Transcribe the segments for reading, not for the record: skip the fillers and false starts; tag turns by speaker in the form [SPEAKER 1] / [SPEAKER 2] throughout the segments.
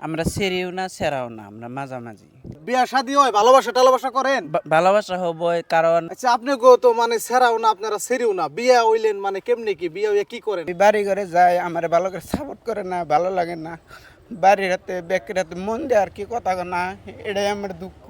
[SPEAKER 1] আমরা সেরিও না সেরাও না, আমরা মাঝামাঝি।
[SPEAKER 2] বিয়া শাদী হয়, ভালোবাসা টালোবাসা করেন?
[SPEAKER 1] ভালোবাসা হবই, কারণ
[SPEAKER 2] আচ্ছা, আপনি গো তো মানে সেরাও না, আপনারা সেরিও না, বিয়া হইলেন মানে কেমনে কি বিয়া হইয়া কি করেন?
[SPEAKER 3] বাড়ি ঘরে যায় আমার ভালো করে সাপোর্ট করে না, ভালো লাগে না। বাড়ির হাতে ব্যাকের হাতে মন দেয় আর কি কথা না, এটাই আমার দুঃখ।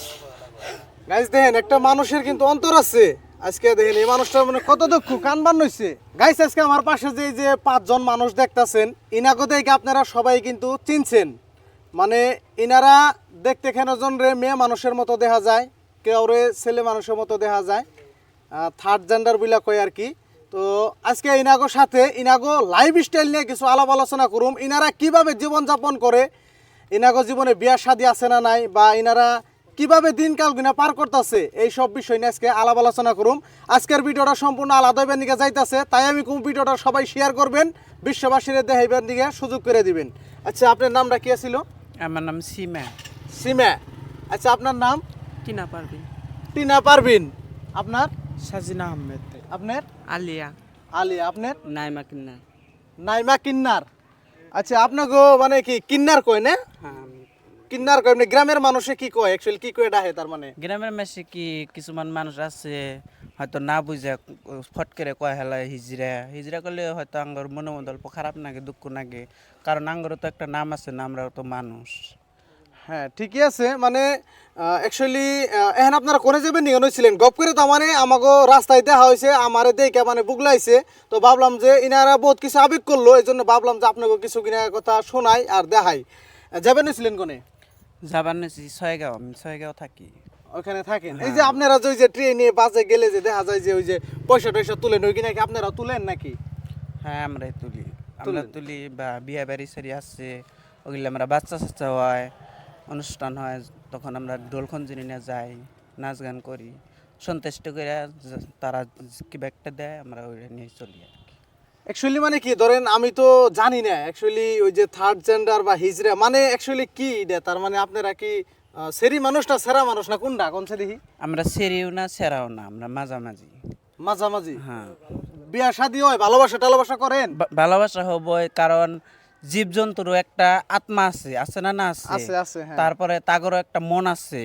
[SPEAKER 2] গাইস দেখেন, একটা মানুষের কিন্তু অন্তর আছে। আজকে দেখেন এই মানুষটার মানে কত দুঃখ, কান বান হইছে। গাইস আজকে আমার পাশে যে এই যে 5 জন মানুষ দেখতাছেন, ইনাকে দেখে আপনারা সবাই কিন্তু চিনছেন। মানে ইনারা দেখতে কেনজন রে মেয়ে মানুষের মতো দেখা যায়, কেউ রে ছেলে মানুষের মতো দেখা যায়, থার্ড জেন্ডার বিলা কয় আর কি। তো আজকে ইনাগোর সাথে ইনাগো লাইফ স্টাইল নিয়ে কিছু আলাপ আলোচনা করুম। ইনারা কিভাবে জীবনযাপন করে, ইনাগো জীবনে বিয়া শাদী আছে না নাই, বা ইনারা কিভাবে দিনকাল গুনা পার করতেছে, এই সব বিষয় নিয়ে আজকে আলাপ আলোচনা করুম। আজকের ভিডিওটা সম্পূর্ণ আলাদা দিকে যাইতেছে, তাই আমি কোন ভিডিওটা সবাই শেয়ার করবেন, বিশ্ববাসীর দেখাইবার দিকে সুযোগ করে দিবেন। আচ্ছা, আপনার নামটা কি ছিল?
[SPEAKER 1] আমার নাম সীমা।
[SPEAKER 2] সীমা। আচ্ছা, আপনার নাম?
[SPEAKER 1] টিনা পারবিন।
[SPEAKER 2] টিনা পারবিন। আপনার?
[SPEAKER 3] সাজিনা আহমেদ।
[SPEAKER 2] আপনার?
[SPEAKER 1] আলিয়া।
[SPEAKER 2] আলী। আপনার?
[SPEAKER 1] নাইমা কিন্না।
[SPEAKER 2] নাইমা কিন্নার। আচ্ছা, আপনাকে মানে কি কিন্নার কয় না?
[SPEAKER 1] হ্যাঁ,
[SPEAKER 2] কিন্নার কয় মানে গ্রামের মানুষে কি কয়, অ্যাকচুয়ালি কি কয় ডাহে তার মানে?
[SPEAKER 1] গ্রামের মেসে কি কিছুমান মানুষ আছে হয়তো না বুঝে ফট করে কয় হেলায় হিজরা হিজরা করলে হয়তো আঙ্গর মনে মধ্যে অল্প খারাপ লাগে, দুঃখ লাগে, কারণ আঙ্গরও তো একটা নাম আছে না, আমরাও তো মানুষ।
[SPEAKER 2] হ্যাঁ, ঠিকই আছে। মানে অ্যাকচুয়ালি এখন আপনারা কোনে যাবেন নিয়ে ছিলেন গপ করে, তো মানে আমাকে রাস্তায় দেখা হয়েছে, আমারে দেখে মানে বুগলাইছে, তো ভাবলাম যে ইনারা বহুত কিছু আবেগ করলো, এই জন্য ভাবলাম যে আপনাকে কিছু কিনা কথা শোনাই আর দেখাই। যাবেন ছিলেন কোনে?
[SPEAKER 1] যাবার নেছি ছয়গাঁও, আমি ছয়গাঁও থাকি।
[SPEAKER 2] ওখানে থাকেন। এই যে আপনারা যে ওই যে ট্রেনে বাসে গেলে যে দেখা যায় যে ওই যে পয়সা টয়সা তুলেন, ওই কিনা কি আপনারা তুলেন নাকি?
[SPEAKER 1] হ্যাঁ, আমরাই তুলি, আমরা তুলি। বা বিয়া বাড়ি সারি আছে, ওগুলো আমরা বাচ্চা সাচ্চা হয়, অনুষ্ঠান হয়, তখন আমরা ঢোল খঞ্জনি নিয়ে যাই, নাচ গান করি, সন্তুষ্ট করে তারা কি একটা দেয়, আমরা ওইটা নিয়ে চলি আর কি।
[SPEAKER 2] অ্যাকচুয়ালি মানে কি ধরেন, আমি তো জানি না অ্যাকচুয়ালি ওই যে থার্ড জেন্ডার বা হিজড়া মানে অ্যাকচুয়ালি কি এটা, তার মানে আপনারা কি সেরি মানুষ না সেরা মানুষ না কোনটা, কোন সে দেখি?
[SPEAKER 1] আমরা সেরিও না সেরাও না, আমরা মাঝামাঝি।
[SPEAKER 2] মাঝামাঝি।
[SPEAKER 1] হ্যাঁ,
[SPEAKER 2] বিয়া শাদী হয়, ভালোবাসা টালোবাসা করেন?
[SPEAKER 1] ভালোবাসা হবই, কারণ জীবজন্তুরও একটা আত্মা আছে, আছে না? না আছে।
[SPEAKER 2] আছে আছে, হ্যাঁ।
[SPEAKER 1] তারপরে তাগরও একটা মন আছে।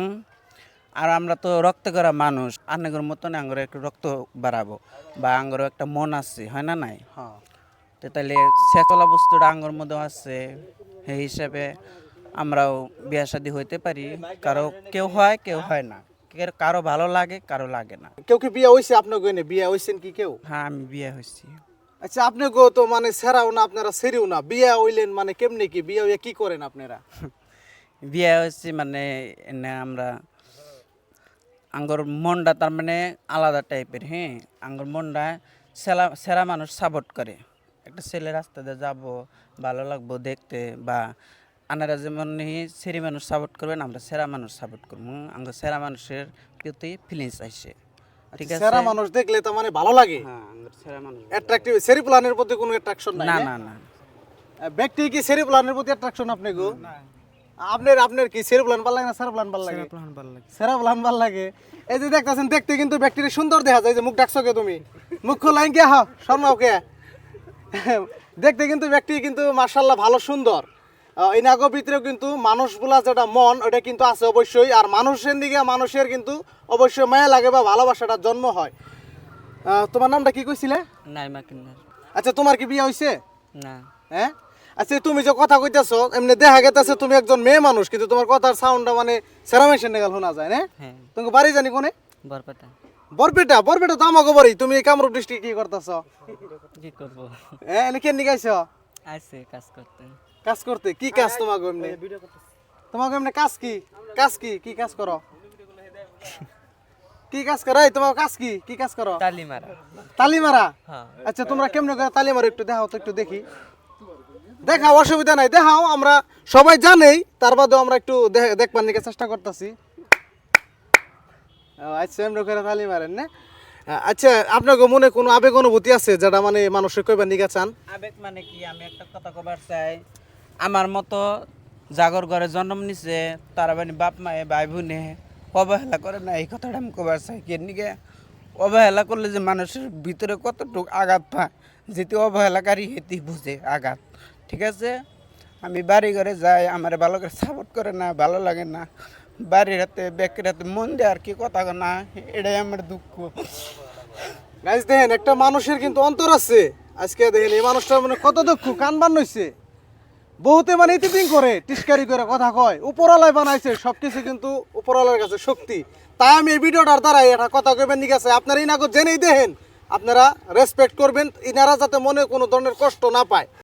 [SPEAKER 1] আর আমরা তো রক্ত করা মানুষ, আঙ্গর মতন আঙ্গর একটু রক্ত বাড়াবো, বা আঙ্গরও একটা মন আছে, হয় না নাই?
[SPEAKER 2] হ্যাঁ।
[SPEAKER 1] তো তাহলে শেষলা বস্তুটা আঙ্গর মধ্যেও আছে, সেই হিসাবে আমরাও বিয়া শাদী হইতে পারি। কারো কেউ হয়, কেউ হয় না, কারো ভালো লাগে, কারো লাগে না।
[SPEAKER 2] কেউ কি বিয়া হইছে আপনার গয়নে? বিয়া হইছেন কি কেউ?
[SPEAKER 1] হ্যাঁ, আমি বিয়ে হয়েছি।
[SPEAKER 2] আচ্ছা, আপনি গো তো মানে সেরাও না, আপনারা সেরিও না, বিয়া হইলেন মানে কেমনে কি, বিয়া হইয়া কি করেন আপনারা?
[SPEAKER 1] বিয়ে হয়েছি মানে এনে আমরা আঙ্গর মনটা তার মানে আলাদা টাইপের। হ্যাঁ, আঙ্গর মনটা সেরা মানুষ সাপোর্ট করে। একটা ছেলে রাস্তা দিয়ে যাবো, ভালো লাগবো দেখতে, বা আনারা যেমন সেরি মানুষ সাপোর্ট করবেন, আমরা সেরা মানুষ সাপোর্ট করবো। আঙ্গর সেরা মানুষের প্রতি ফিলিংস আসে, ঠিক আছে?
[SPEAKER 2] সেরা মানুষ দেখলে তার মানে ভালো লাগে,
[SPEAKER 1] হ্যাঁ, আঙ্গর সেরা মানুষ।
[SPEAKER 2] অ্যাট্রাকটিভ। সেরি প্ল্যানের প্রতি কোনো অ্যাট্রাকশন নাই?
[SPEAKER 1] না
[SPEAKER 2] না?
[SPEAKER 1] না না,
[SPEAKER 2] ব্যক্তি কি সেরি প্ল্যানের প্রতি অ্যাট্রাকশন আপনি গো? আপনার আপনার কি সেরি প্ল্যান ভালো লাগে না সেরা প্ল্যান ভালো লাগে? সেরা প্ল্যান ভালো লাগে। এই যে দেখতেছেন, দেখতে কিন্তু ব্যক্তিটা সুন্দর দেখা যায়। যে মুখ ডাকছো কে তুমি? মুখ খোলাইন কে? হা শর্মাও কে? দেখতে কিন্তু ব্যক্তি কিন্তু মাশাআল্লাহ ভালো সুন্দর। এই নাগো ভিতরেও কিন্তু মানুষগুলা যেটা মন, ওটা কিন্তু আছে অবশ্যই। আর মানুষের দিকে মানুষের কিন্তু অবশ্যই মায়া লাগে বা ভালোবাসাটা জন্ম হয়। তোমার নামটা কি কইছিলে?
[SPEAKER 1] নাইমা কিন্নার।
[SPEAKER 2] আচ্ছা, তোমার কি বিয়ে হইছে?
[SPEAKER 1] না।
[SPEAKER 2] হ্যাঁ। আচ্ছা, তুমি যে কথা কইতেছো, এমনি দেখা গেতেছে তুমি একজন মেয়ে মানুষ, কিন্তু তোমার কথার সাউন্ডটা মানে সেরামেশন নেগাল শোনা যায় না?
[SPEAKER 1] হ্যাঁ,
[SPEAKER 2] তুমি বাড়ি জানি কোনে?
[SPEAKER 1] বরপেটা।
[SPEAKER 2] বরপেটা? বরপেটা তো আমাকে বাড়ি। তুমি এই কামরূপ ডিস্ট্রিক্ট কি করতেছো?
[SPEAKER 1] কি করবো,
[SPEAKER 2] হ্যাঁ, এনে কেন নিগাইছো?
[SPEAKER 1] আছে কাজ করতে।
[SPEAKER 2] কাজ করতে? কি কাজ তোমাকে এমনি? তোমাকে এমনি কাজ কি? কাজ কি? কি কাজ করো? কি কাজ করো? এই তোমার কাজ কি? কি কাজ করো?
[SPEAKER 1] তালি মারা।
[SPEAKER 2] তালি মারা?
[SPEAKER 1] হ্যাঁ।
[SPEAKER 2] আচ্ছা, তোমরা কেমনে করে তালি মারো একটু দেখাও তো, একটু দেখি। দেখাও, অসুবিধা নাই, দেখাও। আমরা সবাই জানেই, তার বাদেও আমরা একটু দেখবার নিকে চেষ্টা করতেছি। আচ্ছা, এমনি করে তালি মারেন না? আচ্ছা, আপনার মনে কোনো আবেগ অনুভূতি আছে যেটা মানে মানুষের কইবার নিকে চান?
[SPEAKER 1] আবেগ মানে কি, আমি একটা কথা কবার চাই, আমার মতো জাগর ঘরে জন্ম নিছে, তার মানে বাপ মায়ে ভাই বোনে অবহেলা করে না, এই কথাটা আমি কবার চাই। কেনিকে অবহেলা করলে যে মানুষের ভিতরে কতটুকু আঘাত পায়, যেটি অবহেলাকারী হেতি বুঝে আঘাত, ঠিক আছে?
[SPEAKER 3] আমি বাড়ি ঘরে যাই, আমার ভালো করে সাপোর্ট করে না, ভালো লাগে না। বাড়ির হাতে ব্যাকের হাতে মন দেয় আর কি কথা কয় না, এটাই আমার দুঃখ।
[SPEAKER 2] গাইস দেখেন একটা মানুষের কিন্তু অন্তর আছে। আজকে দেখেন এই মানুষটা মানে কত দুঃখ, কান বান হইছে। বহুতে মানে ইতিপিং করে টিস্কারি করে কথা কয়, উপরওয়ালায় বানাইছে সবকিছু, কিন্তু উপরওয়ালার কাছে শক্তি। তাই আমি এই ভিডিওটার দ্বারাই এটা কথা কইবেন, ঠিক আছে? আপনারা ইনাগো জেনেই দেখেন, আপনারা রেসপেক্ট করবেন, ইনারা যাতে মনে কোনো ধরনের কষ্ট না পায়।